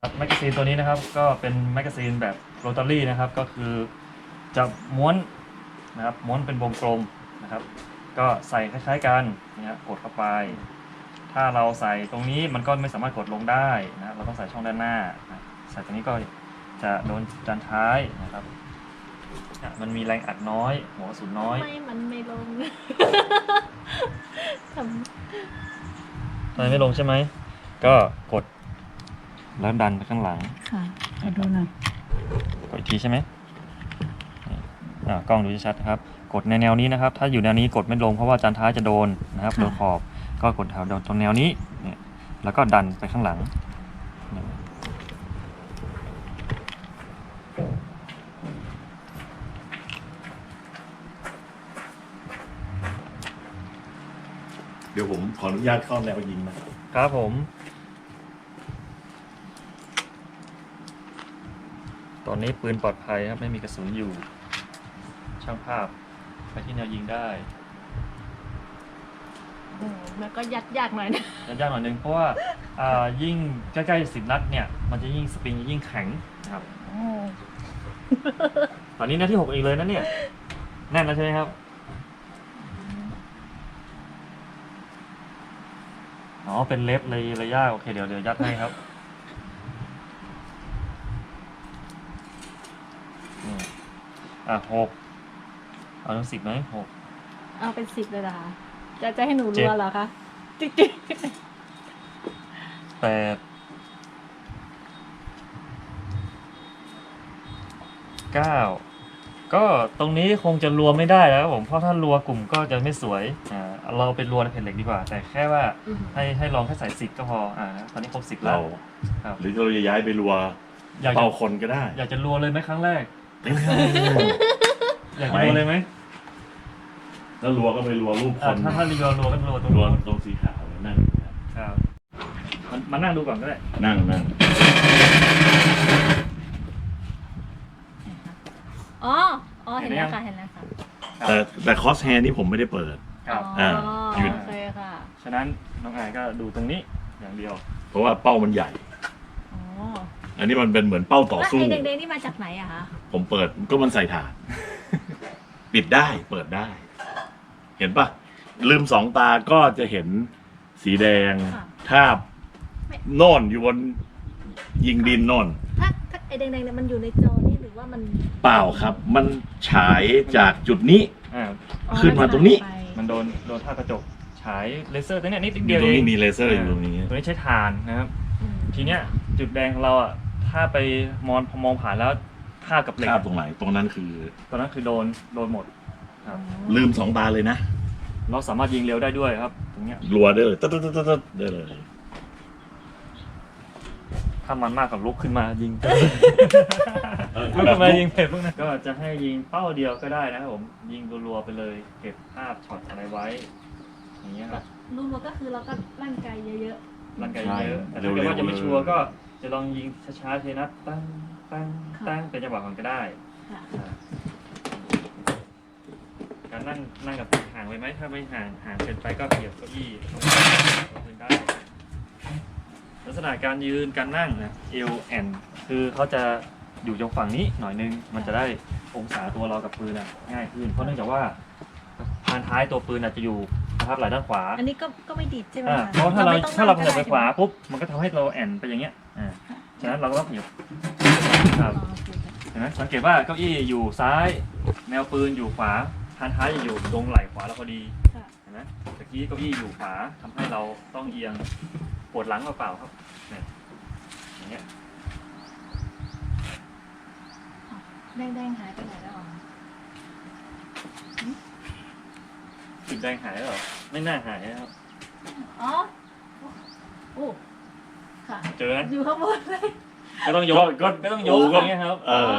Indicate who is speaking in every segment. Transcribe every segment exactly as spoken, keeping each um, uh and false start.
Speaker 1: แมกกาซีนตัวนี้นะครับก็เป็นแมกกาซีนแบบโรตารี่นะครับก็คือจะม้วนนะครับม้วนเป็นวงกลมนะครับก็ใส่คล้ายๆกันนะกดเข้าไปถ้าเราใส่ตรงนี้มันก็ไม่สามารถกดลงได้นะเราต้องใส่ช่องด้านหน้านะใส่ตรงนี้ก็จะโดนจานท้ายนะครับมันมีแรงอัดน้อยหัวกระสุนน้อย
Speaker 2: ไม่มันไม่ลงทำ
Speaker 1: ทำไมไม่ลงใช่ไหมก็กดแล้วดันไปข้างหลัง
Speaker 2: ค่ะมาดูหน่อย
Speaker 1: กดอีกทีใช่ไหมอ่ากล้องดูชัดๆนะครับกดในแนวนี้นะครับถ้าอยู่แนวนี้กดไม่ลงเพราะว่าจานท้ายจะโดนนะครับโดนขอบก็กดแถวตรงแนวนี้เนี่ยแล้วก็ดันไปข้างหลัง
Speaker 3: เดี๋ยวผมขออนุญาตเข้าแนวยิงนะครับ
Speaker 1: ผมตอนนี้ปืนปลอดภัยครับไม่มีกระสุนอยู่ช่างภาพไปที่แนวยิงได้
Speaker 2: แล้วก็ยัดยากหน่อยนะ
Speaker 1: ยัดยากหน่อยนึงเพราะว่ายิ่งใกล้ๆสิบนัดเนี่ยมันจะยิ่งสปริงยิ่งแข็งครับตอนนี้นัดที่หกอีกเลยนะเนี่ยแน่นแล้วใช่ไหมครับอ๋อเป็นเล็บเลยระยะโอเคเดี๋ยวเดี๋ยวยัดให้ครับอ่ะหกเอาถึงสิบไหมหก
Speaker 2: เอาเป็นสิบเลยล่ะจะจะให้หนูรัวเหรอคะจิ๊กจิ๊ก
Speaker 1: แปดเก้าก็ตรงนี้คงจะรัวไม่ได้แล้วผมเพราะถ้ารัวกลุ่มก็จะไม่สวยอ่าเราเป็นรัวในแผ่นเหล็กดีกว่าแต่แค่ว่าให้ให้ลองแค่ใส่สิบก็พออ่าตอนนี้ครบสิบแล้ว
Speaker 3: หรือเราจะย้ายไปรัวเป่าคนก็ได้
Speaker 1: อยากจะรัวเลยไหมครั้งแรกอยากจะรัวเลยไหม
Speaker 3: แล้วรัวก็ไปรัวรูปคน
Speaker 1: ถ้าถ้ารัวรัวก็รัวตรง
Speaker 3: รัวตรงสีขาวนั่ง
Speaker 1: ครับมานั่งดูก่อนก็ได้
Speaker 3: นั่งนั่ง
Speaker 2: อ๋ออ๋อเห็นแล้วค่ะเห็นแล้วค่ะ
Speaker 3: แต่แต่คอสแฮร์นี่ผมไม่ได้เปิด
Speaker 1: ครับ
Speaker 2: อ๋อโอเคค่ะ
Speaker 1: ฉะนั้นน้องอายก็ดูตรงนี้อย่างเดียว
Speaker 3: เพราะว่าเป้ามันใหญ่
Speaker 2: อ๋อ
Speaker 3: อันนี้มันเป็นเหมือนเป้าต่อสู้
Speaker 2: แล้วไอ้แดงๆนี่มาจากไหนอะคะ
Speaker 3: ผมเปิดก็มันใส่ถ่านปิดได้เปิดได้เห็นปะลืมสองตาก็จะเห็นสีแดงทาบโน่นอยู่บนยิงดินโน่น
Speaker 2: ถ้าถ้าไอ้แดงๆเนี่ยมันอยู่ในจอนี่หรือว่ามัน
Speaker 3: เปล่าครับมันฉายจากจุดนี้ขึ้นมาตรงนี้
Speaker 1: มันโดนโดนท่ากระจกฉายเลเซอร์ตัวเนี้ยนิดเดียว
Speaker 3: เองตรงนี้มีเลเซอร์อยู่ตรงนี้
Speaker 1: ตัวนี้ใช้ถ่านนะครับทีเนี้ยจุดแดงของเราอ่ะถ้าไปมองมองผ่านแล้วท่ากับเหล็ก
Speaker 3: ตรงไหนตรงนั้นคือ
Speaker 1: ตรงนั้นคือโดนโดนหมดครับ
Speaker 3: ลืมสองตาเลยนะ
Speaker 1: เราสามารถยิงเร็วได้ด้วยครับตรงเนี้ย
Speaker 3: รัวได้เลยตึ๊ดตึ๊ดตึ๊ดตึ๊ดได้เลย
Speaker 1: ถ้ามันมากกับลุกขึ้นมายิงลุกขึ้นมายิงเผ็ดพวกนั้นก็จะให้ยิงเป้าเดียวก็ได้นะครับผมยิงรัวๆไปเลยเก็บภาพช็อตอะไรไว้อย่างเงี้ยครับ
Speaker 2: รัวๆก็คือเราก็ร่างกายเยอะ
Speaker 1: ๆร่างกายเยอะแต่ถ้าเกิดว่าจะไม่ชัวร์ก็จะลองยิงช้าๆเทนัดตั้งตั้งตั้งเป็นจังหวะก่อนก็ได้การนั่งนั่งกับห่างไว้ไหมถ้าไม่ห่างห่างเกินไปก็เกี่ยวเก้าอี้พื้นได้ลักษณะการยืนการนั่งนะเอวแอนคือเขาจะอยู่ตรงฝั่งนี้หน่อยนึงมันจะได้องศาตัวเรากับปืนอ่ะง่ายขึ้นเพราะเนื่องจากว่าพานท้ายตัวปืนอาจจะอยู่นะครับไหล่ด้านขวา
Speaker 2: อันนี้ก็ก็ไม่ดีใช่ไหม
Speaker 1: เพราะถ้าเราถ้าเราเผยไปขวาปุ๊บมันก็ทำให้เราแอนไปอย่างเงี้ยอ่าฉะนั้นเราก็ต้องหยิบครับเห็นไหมสังเกตว่าเก้าอี้อยู่ซ้ายแนวปืนอยู่ขวาพานท้ายอยู่ตรงไหล่ขวาเราพอดีเห็นไหมตะกี้เก้าอี้อยู่ขวาทำให้เราต้องเอียงปวดหลังเปล่าๆครับเนี่ยอย่างเงี้ย
Speaker 2: แดงๆหายไปไหนแล้วอ๋อ
Speaker 1: จุดแดงหายแล้วเหรอไม่น่าหายนะครับ
Speaker 2: อ๋อโอ้ค่ะ
Speaker 1: เจอไหม
Speaker 2: อยู่ข้างบนเลย
Speaker 1: ก็ต้องยกก็ไม่ต้องยกอย่างเงี้ยครับ
Speaker 3: เออ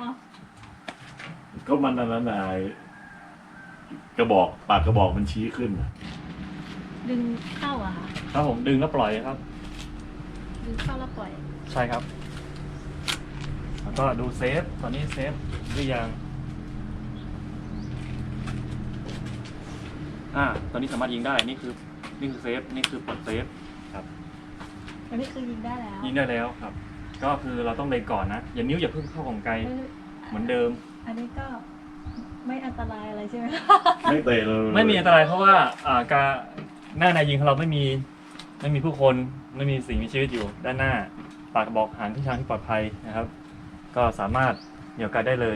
Speaker 3: ก็มันอันนั้นไอ้กระบอกปากกระบอกมันชี้ขึ้น
Speaker 2: ดึงเข้าอะค่ะ
Speaker 1: ครับผมดึงแล้วปล่อยครับ
Speaker 2: ดึงเข้าแล้วปล่อย
Speaker 1: ใช่ครับแล้วก็ดูเซฟตอนนี้เซฟหรือยังอ่าตอนนี้สามารถยิงได้นี่คือนี่คือเซฟนี่คือปลดเซฟครับ
Speaker 2: อันนี้คือยิงได้แล้ว
Speaker 1: ยิงได้แล้วครับก็คือเราต้องเล็งก่อนนะอย่านิ้วอย่าเพิ่งเข้าของไกลเหมือนเดิม
Speaker 2: อันนี้ก็ไม่อันตรายอะไรใช่ไหม
Speaker 3: ไม่เตะเลย
Speaker 1: ไม่มีอันตรายเพราะว่าอ่าการหน้าในยิงของเราไม่มีไม่มีผู้คนไม่มีสิ่งมีชีวิตอยู่ด้านหน้าปากกระบอกหางที่ทางที่ปลอดภัยนะครับ ก็สามารถเหนี่ยวไกลได้เลย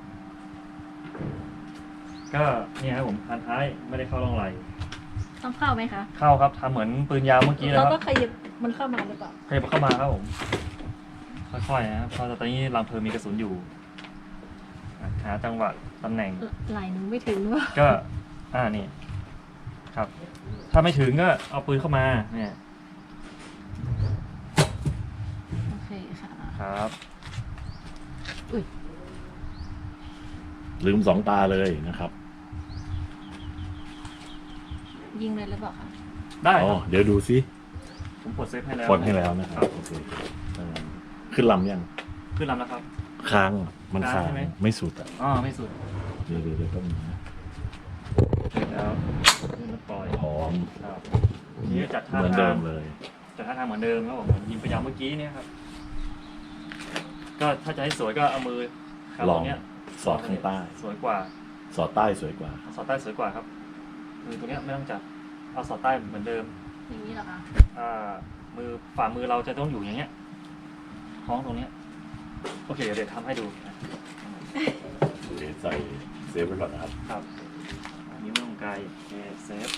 Speaker 1: ก็เนี่ยครับผมพันท้ายไม่ได้เข้าร่องไหล
Speaker 2: ต้องเข้าไหมคะ
Speaker 1: เข้าครับทำเหมือนปืนยาวเมื่อกี้นะ
Speaker 2: เรา
Speaker 1: ครับ
Speaker 2: ก็ขยับมันเข้ามาหรือเปล่า
Speaker 1: ขยับเข้ามาครับผมค่อยๆนะครับเพราะตอนนี้รังเพลิงมีกระสุนอยู่หาจังหวะตำแหน่ง
Speaker 2: ไหลหนูไม่ถึงว่า
Speaker 1: ก็อ่านี่ครับ ถ้าไม่ถึงก็เอาปืนเข้ามาเนี่ย
Speaker 2: โอเคค่ะ
Speaker 1: ครับ
Speaker 2: อุ้ย
Speaker 3: ลืมสองตาเลยนะครับ
Speaker 2: ยิงเลยหรือเปล่าคะ
Speaker 1: ได้
Speaker 3: อ๋อ
Speaker 1: ครับ
Speaker 3: เดี๋ยวดูซิ
Speaker 1: ผมกดเซฟให้แล้ว
Speaker 3: กดให้แล้วนะครับโอเคเออขึ้นลำยัง
Speaker 1: ขึ้นลำแล้วครับ
Speaker 3: ค้างอะมัน
Speaker 1: ค้า
Speaker 3: ค้าง ง
Speaker 1: ใช่ไหม
Speaker 3: ไม่สุดอ่ะ
Speaker 1: อ๋อไม่สุด
Speaker 3: เดี๋ยวเดี๋ยวเดี๋ยวต้องนะ
Speaker 1: แล้วแล้วปล่อย
Speaker 3: พร้อม
Speaker 1: ครับนี่จัดท่า
Speaker 3: เหมือน
Speaker 1: ทา
Speaker 3: เดิ
Speaker 1: ง
Speaker 3: มเลย
Speaker 1: จัดท่าทางเหมือนเดิมครับผมยิงไปยาวเมื่อกี้เนี่ยครับ ก็ถ้าจะให้สวยก็เอามือครับ
Speaker 3: ลอง
Speaker 1: ตรงเนี้ย
Speaker 3: สอดข้างใต้
Speaker 1: สวยกว่า
Speaker 3: สอดใต้สวยกว่า
Speaker 1: สอดใต้สวยกว่าครับมือตรงเนี้ยไม่ต้องจับเอาสอดใต้เหมือนเดิม
Speaker 2: อย่างนี้เหรอคะ
Speaker 1: อ่ามือฝ่ามือเราจะต้องอยู่อย่างเงี้ยคล้องตรงเนี้ยโอเคเดี๋ยวทำให้ดู
Speaker 3: เดี๋ยวใส่เซฟไว้ก่อนนะครับ
Speaker 1: ครับอันนี้ไม่ต้องไกลโอเคเซฟ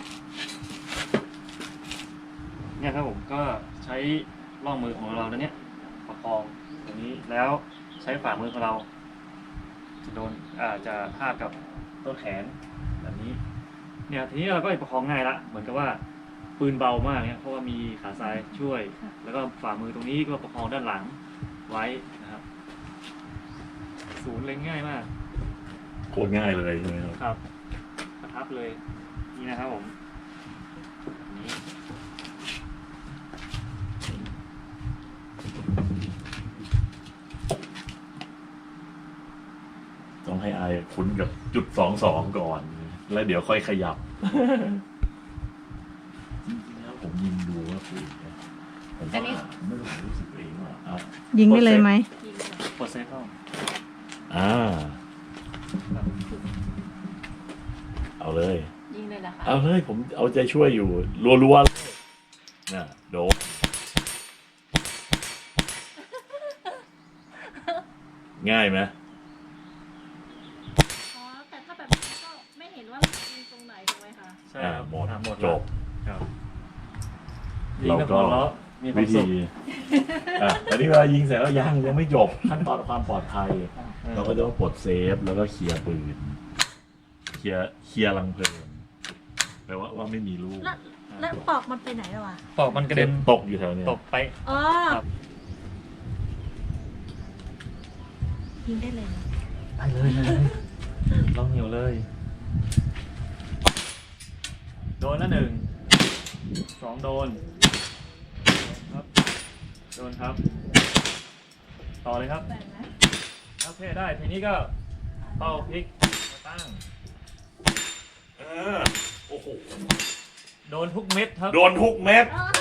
Speaker 1: เนี่ยครับผมก็ใช้ล่องมือของเราแล้วเนี้ยประคองตรงนี้แล้วใช้ฝ่ามือของเรา จะโดนอาจจะทาบกับต้นแขนแบบนี้เนี่ยทีนี้เราก็ประคองง่ายละเหมือนกับว่าปืนเบามากเนี่ยเพราะว่ามีขาซ้ายช่วย แล้วก็ฝ่ามือตรงนี้ก็ประคองด้านหลังไว้นะครับศูนย์เล็งง่ายมาก
Speaker 3: โคตรง่ายเลยใช่ไหมครับ
Speaker 1: ครับประทับเลยนี่นะครับผมแบบนี้
Speaker 3: ต้องให้อายคุ้นกับจุดสองสองก่อน แล้วเดี๋ยวค่อยขยับ จริงๆแล้วผมยิงดูว่าปืนเนี่ยผมว่าไม่รู้รู้สึกเองว่าอ่ะ
Speaker 4: ยิงได้เลยไหม
Speaker 2: ยิงเลย
Speaker 1: กดเซฟเข้า
Speaker 3: อ่า
Speaker 1: ครับ
Speaker 3: เอาเลย
Speaker 2: ยิงเลยเหรอคะ
Speaker 3: เอาเลยผมเอาใจช่วยอยู่ รัวๆเลยน่ะโดนง่ายไหม
Speaker 2: อ๋อแต่ถ้าแบบนี้ก็ไม่เห็นว่ายิงตรงไหนถูกไหมคะ
Speaker 1: ใช่
Speaker 3: อ่า
Speaker 1: ครับ
Speaker 3: หมด
Speaker 1: อ่าหมด
Speaker 3: จ
Speaker 1: แล้ว
Speaker 3: บ
Speaker 1: ครับ
Speaker 3: เราก็
Speaker 1: ยิงแล้วมีความ
Speaker 3: วิ
Speaker 1: สุ
Speaker 3: ธี
Speaker 1: ข
Speaker 3: อ่ะแต่นี่เวลายิงเสร็จแล้วยังยังไม่จบขั้นตอนความปลอดภัย เราก็จะต้องปลดเซฟแล้วก็เคลียร์ปืนเคลียร์เคลียร์รังเพลิงแปลว่าว่าไม่มีลูก
Speaker 2: แล้วแล้วปอกมันไปไหนแล้วอ่ะ
Speaker 1: ปอกมันกระเด็น
Speaker 3: ตกอยู่แถวเนี้ย
Speaker 1: ตกไป
Speaker 2: อ๋อ
Speaker 1: ครับ
Speaker 2: ยิงได้เลยนะ
Speaker 1: ไปเลยเลยลองเหนียวเลย โดนละหนึ่งสองโดนครับโดนครับ ต่อเลยครับ
Speaker 2: แบ่งนะ
Speaker 1: โอเคได้ทีนี้ก็เป้าพลิกมาตั้ง
Speaker 3: เออโอ้โห
Speaker 1: โดนทุกเม็ดครับ
Speaker 3: โดนทุกเม็ด
Speaker 2: อ๋อ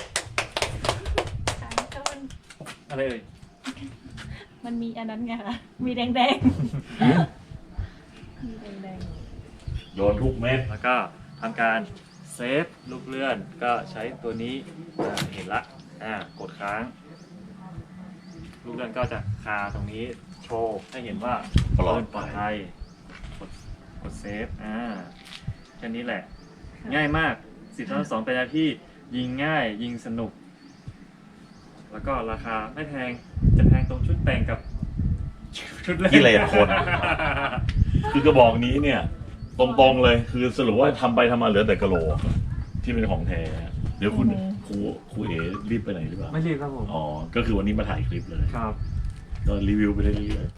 Speaker 2: ใช่ก็มัน
Speaker 1: อะไรเอ่ย
Speaker 2: มันมีอันนั้นไงคะมีแดงแดงๆมีแดงแดง
Speaker 3: โดนทุกเม็ด
Speaker 1: แล้วก็ทำการเซฟลูกเลื่อนก็ใช้ตัวนี้อ่าเห็นละอ่ากดค้าง ลูกเลื่อนก็จะคาตรงนี้โชว์ให้เห็นว่า
Speaker 3: ปลอด
Speaker 1: ปลอด
Speaker 3: ภั
Speaker 1: ภั
Speaker 3: ย
Speaker 1: ยกดกดเซฟอ่าแค่นี้แหละ ง่ายมากสิบสองสองเป็นอะไรที่ยิงง่ายยิงสนุก แล้วก็ราคาไม่แพงจะแพงตรงชุดแต่งกับชุดเล่น
Speaker 3: กิเลสคน คือกระบอกนี้เนี่ย ตรงๆเลยคือสรุปว่าทำไปทำมาเหลือแต่กระโหลกที่เป็นของแท้ เดี๋ยวคุณครูครูเอ๋รีบไปไหนหรือเปล่า
Speaker 1: ไม่รีบครับผม
Speaker 3: อ๋อ ก็คือวันนี้มาถ่ายคลิปเลย
Speaker 1: ครับ
Speaker 3: ก็รีวิวไปเรื่อยๆ